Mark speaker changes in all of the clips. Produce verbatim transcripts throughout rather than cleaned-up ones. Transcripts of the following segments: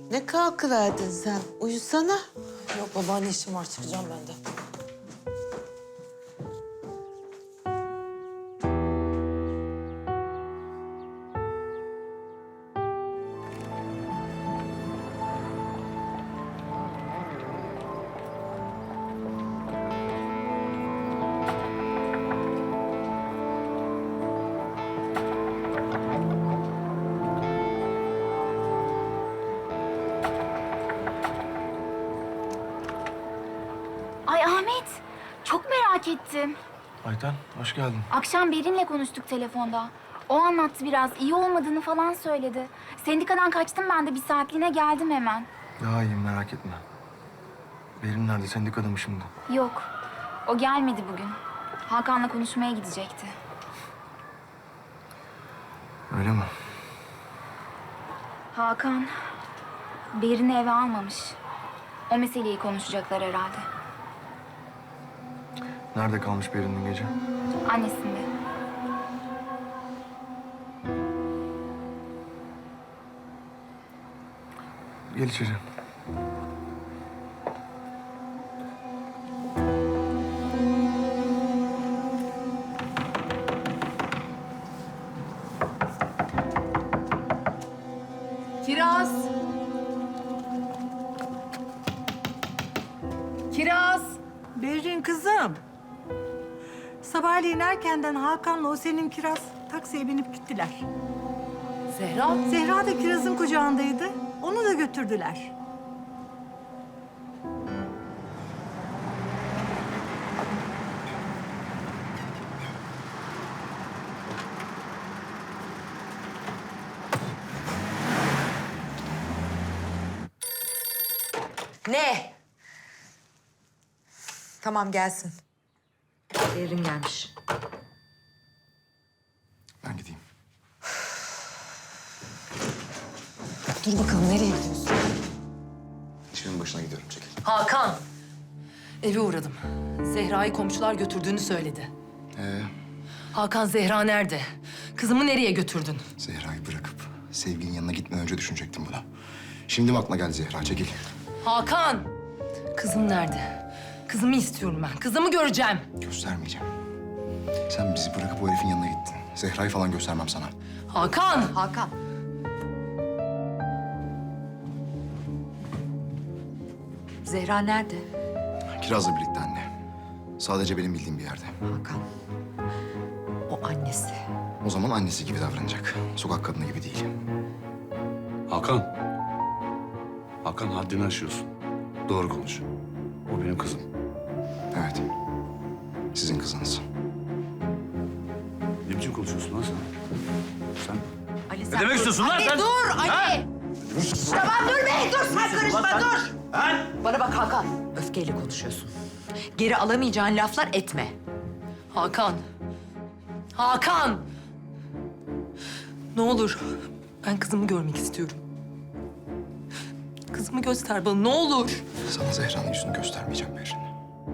Speaker 1: Ne kalkıverdin sen? Uyusana.
Speaker 2: Yok babaanne, işim var, çıkacağım ben de.
Speaker 3: Ay Ahmet, çok merak ettim.
Speaker 4: Ayten, hoş geldin.
Speaker 3: Akşam Berin'le konuştuk telefonda. O anlattı biraz, iyi olmadığını falan söyledi. Sendikadan kaçtım ben de, bir saatliğine geldim hemen.
Speaker 4: Daha iyiyim, merak etme. Berin nerede? Sendikada mı şimdi?
Speaker 3: Yok, o gelmedi bugün. Hakan'la konuşmaya gidecekti.
Speaker 4: Öyle mi?
Speaker 3: Hakan, Berin'i eve almamış. O meseleyi konuşacaklar herhalde.
Speaker 4: Nerede kalmış Berin dün gece?
Speaker 3: Annesinde.
Speaker 4: Gel içeri.
Speaker 5: Kiraz! Kiraz!
Speaker 6: Berrin kızım. Sabahleyin erkenden Hakan'la o senin Kiraz taksiye binip gittiler.
Speaker 5: Zehra!
Speaker 6: Zehra da Kiraz'ın kucağındaydı. Onu da götürdüler.
Speaker 2: Ne? Tamam, gelsin.
Speaker 5: Berin gelmiş.
Speaker 4: Ben gideyim.
Speaker 2: Dur bakalım, nereye gidiyorsun?
Speaker 4: İşimin başına gidiyorum, çekil.
Speaker 5: Hakan! Eve uğradım. Zehra'yı komşular götürdüğünü söyledi.
Speaker 4: Ee,
Speaker 5: Hakan, Zehra nerede? Kızımı nereye götürdün?
Speaker 4: Zehra'yı bırakıp sevgilinin yanına gitmeden önce düşünecektim bunu. Şimdi mi aklına geldi Zehra? Çekil.
Speaker 5: Hakan! Kızım nerede? Kızımı istiyorum ben. Kızımı göreceğim.
Speaker 4: Göstermeyeceğim. Sen bizi bırakıp o herifin yanına gittin. Zehra'yı falan göstermem sana.
Speaker 5: Hakan!
Speaker 2: Hakan. Zehra nerede?
Speaker 4: Kiraz'la birlikte anne. Sadece benim bildiğim bir yerde.
Speaker 2: Hakan. O annesi.
Speaker 4: O zaman annesi gibi davranacak. Sokak kadını gibi değil.
Speaker 7: Hakan. Hakan, haddini aşıyorsun. Doğru konuş. O benim kızım.
Speaker 4: Evet. Sizin kızınız.
Speaker 7: Ne biçim konuşuyorsun lan sen? Sen?
Speaker 2: Ali, sen
Speaker 7: Ne demek istiyorsun lan sen?
Speaker 2: Dur Ali! Tamam, dur be! Dur, sen karışma, dur! Bana bak Hakan, öfkeyle konuşuyorsun. Geri alamayacağın laflar etme.
Speaker 5: Hakan! Hakan! Ne olur, ben kızımı görmek istiyorum. Kızımı göster bana, ne olur.
Speaker 4: Sana Zehra'nın yüzünü göstermeyeceğim Berin.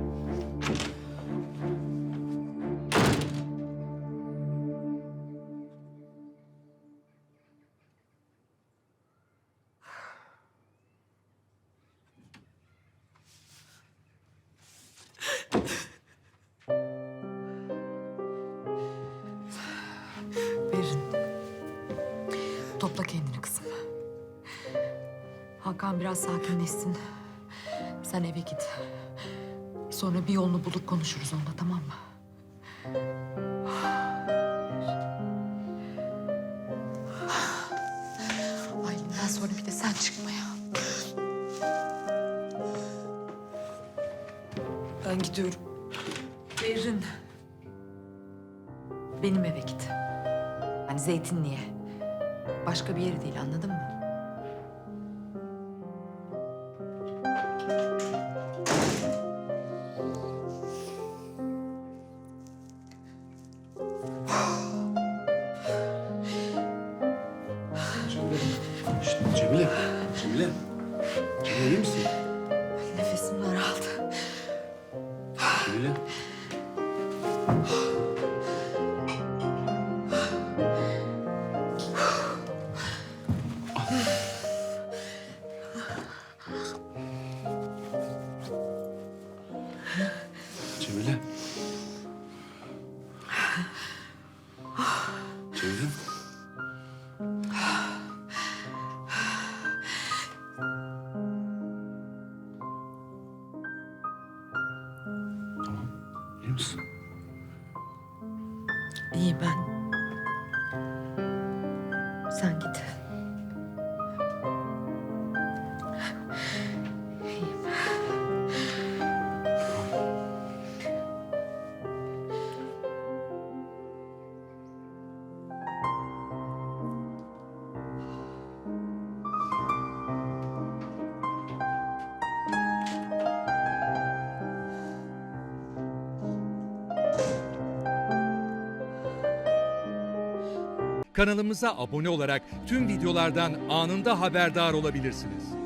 Speaker 2: Berin. Topla kendini kızım. Hakan biraz sakinleşsin. Sen eve git. Sonra bir yolunu bulup konuşuruz onunla, tamam mı? Aylin'den sonra bir de sen çıkma ya.
Speaker 5: Ben gidiyorum.
Speaker 2: Berin. Benim eve git. Yani Zeytinli'ye. Başka bir yere değil, anladın mı?
Speaker 7: Şşt, Cemile. Cemile. Cemile, iyi misin?
Speaker 2: Nefesim daraldı.
Speaker 7: Cemile.
Speaker 5: Sen git.
Speaker 8: Kanalımıza abone olarak tüm videolardan anında haberdar olabilirsiniz.